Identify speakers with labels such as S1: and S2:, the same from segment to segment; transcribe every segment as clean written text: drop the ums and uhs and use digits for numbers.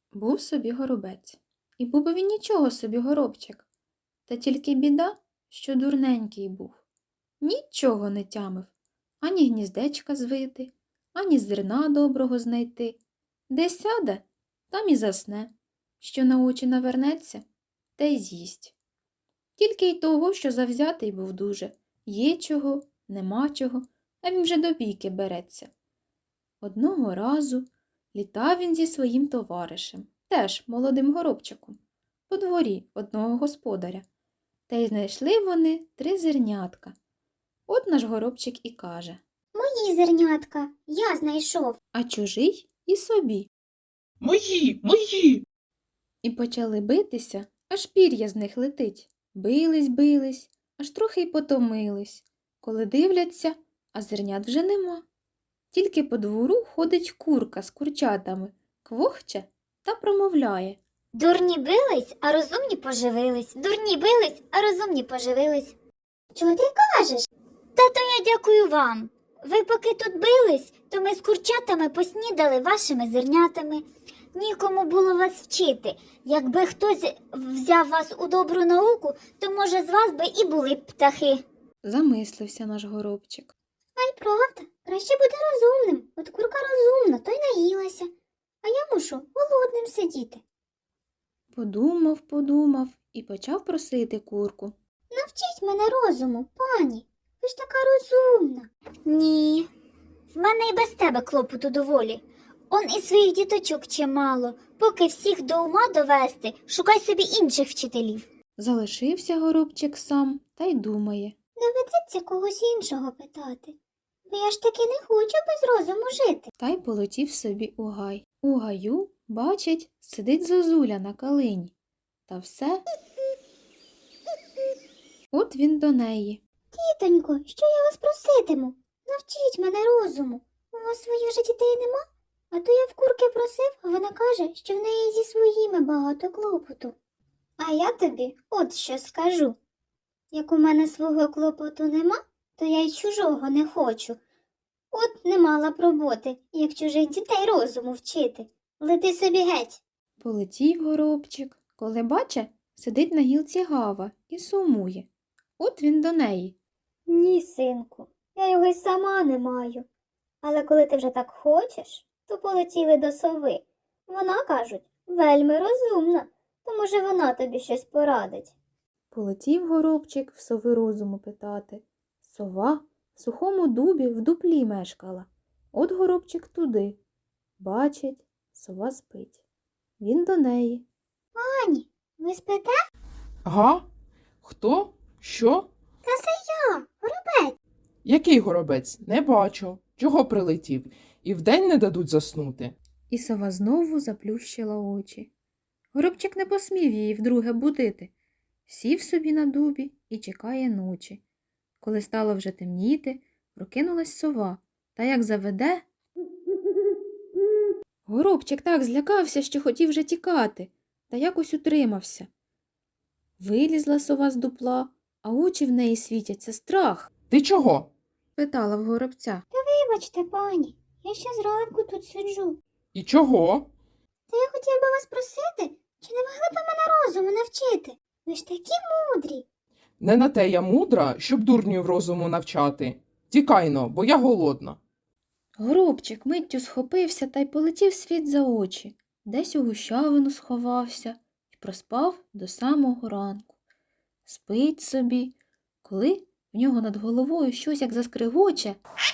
S1: Був собі горобець. І був би він нічого собі горобчик. Та тільки біда, що дурненький був. Нічого не тямив, ані гніздечка звити, ані зерна доброго знайти. Де сяде, там і засне, що на очі навернеться, те й з'їсть. Тільки й того, що завзятий був дуже. Є чого, нема чого, а він вже до бійки береться. Одного разу літав він зі своїм товаришем, теж молодим горобчиком, по дворі одного господаря. Та й знайшли вони 3 зернятка. От наш горобчик і каже:
S2: Мої зернятка, я знайшов.
S1: а чужий і собі.
S3: Мої!
S1: І почали битися, аж пір'я з них летить. Бились, аж трохи й потомились. Коли дивляться, а зернят вже нема. Тільки по двору ходить курка з курчатами, квохче та промовляє:
S2: Дурні бились, а розумні поживились. Дурні бились, а розумні поживились. Чого ти кажеш? Та то я дякую вам. Ви поки тут бились, то ми з курчатами поснідали вашими зернятами. Нікому було вас вчити. Якби хтось взяв вас у добру науку, то, може, з вас би і були б птахи.
S1: Замислився наш горобчик.
S2: А й правда, краще бути розумним. От курка розумна, то й наїлася. А я мушу голодним сидіти.
S1: Подумав і почав просити курку.
S2: Навчіть мене розуму, пані. Ви ж така розумна. Ні, в мене і без тебе клопоту доволі. Он і своїх діточок чимало. Поки всіх до ума довести, шукай собі інших вчителів.
S1: Залишився горобчик сам та й думає.
S2: Доведеться когось іншого питати. Бо я ж таки не хочу без розуму жити.
S1: Та й полетів собі у гай. У гаю, бачить, сидить зозуля на калині. Та все. От він до неї.
S2: Тітонько, що я вас проситиму? Навчіть мене розуму. У вас своїх же дітей нема? А то я в курки просив, а вона каже, що в неї зі своїми багато клопоту. А я тобі от що скажу. Як у мене свого клопоту нема, то я й чужого не хочу. От не мала б роботи, як чужих дітей розуму вчити. Лети собі геть.
S1: Полетів горобчик, коли баче, сидить на гілці гава і сумує. От він до неї.
S2: Ні, синку, я його й сама не маю. Але коли ти вже так хочеш, то полетіли до сови. Вона, кажуть, вельми розумна, то, може, вона тобі щось порадить.
S1: Полетів горобчик в сови розуму питати. Сова в сухому дубі в дуплі мешкала. От горобчик туди. Бачить, сова спить. Він до неї.
S2: Пані, ви спите?
S3: Га? Хто? Що?
S2: Та це я, горобець.
S3: Який горобець? Не бачу. Чого прилетів? І вдень не дадуть заснути.
S1: І сова знову заплющила очі. Горобчик не посмів її вдруге будити. Сів собі на дубі і чекає ночі. Коли стало вже темніти, прокинулась сова, та як заведе. Горобчик так злякався, що хотів вже тікати, та якось утримався. Вилізла сова з дупла, а очі в неї світяться. Страх,
S3: Ти чого?
S1: питала в горобця.
S2: Вибачте, пані, я ще зранку тут сиджу.
S3: І чого?
S2: Та я хотів би вас просити, чи не могли б ви мене розуму навчити? Ви ж такі мудрі.
S3: Не на те я мудра, щоб дурнів розуму навчати. Тікайно, бо я голодна.
S1: Горобчик миттю схопився та й полетів світ за очі. Десь у гущавину сховався і проспав до самого ранку. Спить собі, коли в нього над головою щось як заскригоче.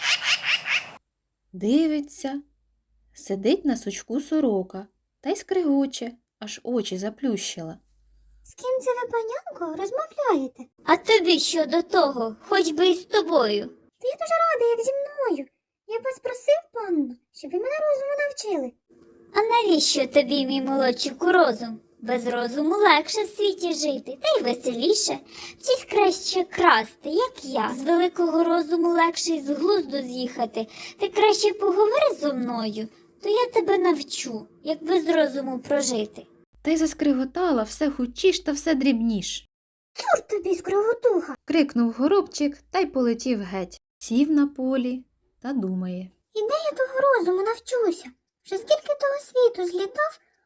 S1: Дивиться, сидить на сучку сорока та й скригоче, аж очі заплющила.
S2: З ким це ви, панянко, розмовляєте? А тобі що до того, хоч би і з тобою? Та я дуже рада, як зі мною. Я б вас просив, панно, щоб ви мене розуму навчили. А навіщо тобі, мій молодчику, розум? Без розуму легше в світі жити, та й веселіше. Вчись краще красти, як я. З великого розуму легше й з глузду з'їхати. Ти краще поговори зо мною, то я тебе навчу, як без розуму прожити.
S1: Та й заскриготала все хутчіш та все дрібніш.
S2: Цур тобі, скриготуха!
S1: Крикнув горобчик та й полетів геть. Сів на полі та думає.
S2: І де я того розуму навчуся? Вже скільки того світу злітав,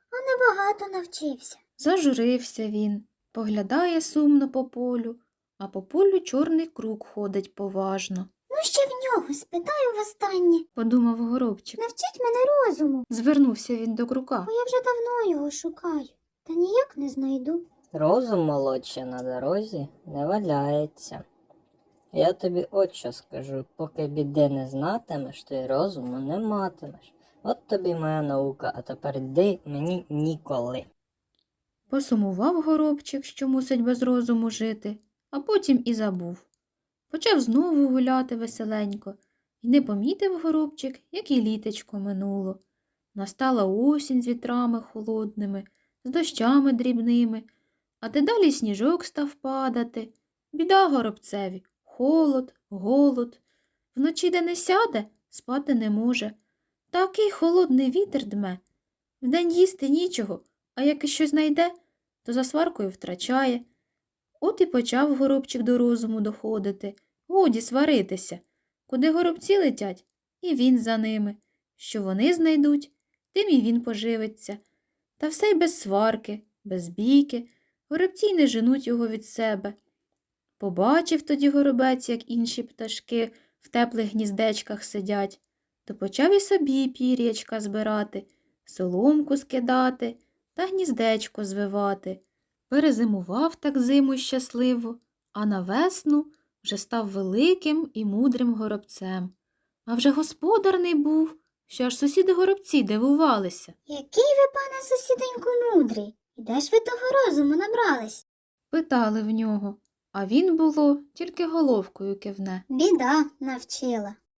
S2: а небагато навчився.
S1: Зажурився він, поглядає сумно по полю, а по полю чорний круг ходить поважно,
S2: Ну, ще в нього спитаю востаннє.
S1: подумав горобчик.
S2: Навчіть мене розуму,
S1: Звернувся він до крука.
S2: бо я вже давно його шукаю, та ніяк не знайду.
S4: Розум молодший на дорозі не валяється. Я тобі от що скажу, поки біди не знатимеш, то й розуму не матимеш. От тобі моя наука, а тепер йди, мені ніколи.
S1: Посумував горобчик, що мусить без розуму жити, а потім і забув. Почав знову гуляти веселенько, і не помітив горобчик, як і літечко минуло. Настала осінь з вітрами холодними, з дощами дрібними, а дедалі сніжок став падати. Біда горобцеві, холод, голод. Вночі де не сяде, спати не може. Такий холодний вітер дме. Вдень їсти нічого, а як і щось знайде, то за сваркою втрачає. От і почав горобчик до розуму доходити. Годі сваритися. Куди горобці летять, і він за ними. Що вони знайдуть, тим і він поживиться. Та все й без сварки, без бійки. Горобці й не женуть його від себе. Побачив тоді горобець, як інші пташки в теплих гніздечках сидять, то почав і собі пір'ячка збирати, соломку скидати та гніздечко звивати. Перезимував так зиму щасливо, а на весну вже став великим і мудрим горобцем. А вже господарний був, що аж сусіди горобці дивувалися.
S2: Який ви, пане сусіденьку, мудрий, і де ж ви того розуму набрались?
S1: Питали в нього, а він, було, тільки головкою кивне.
S2: Біда навчила.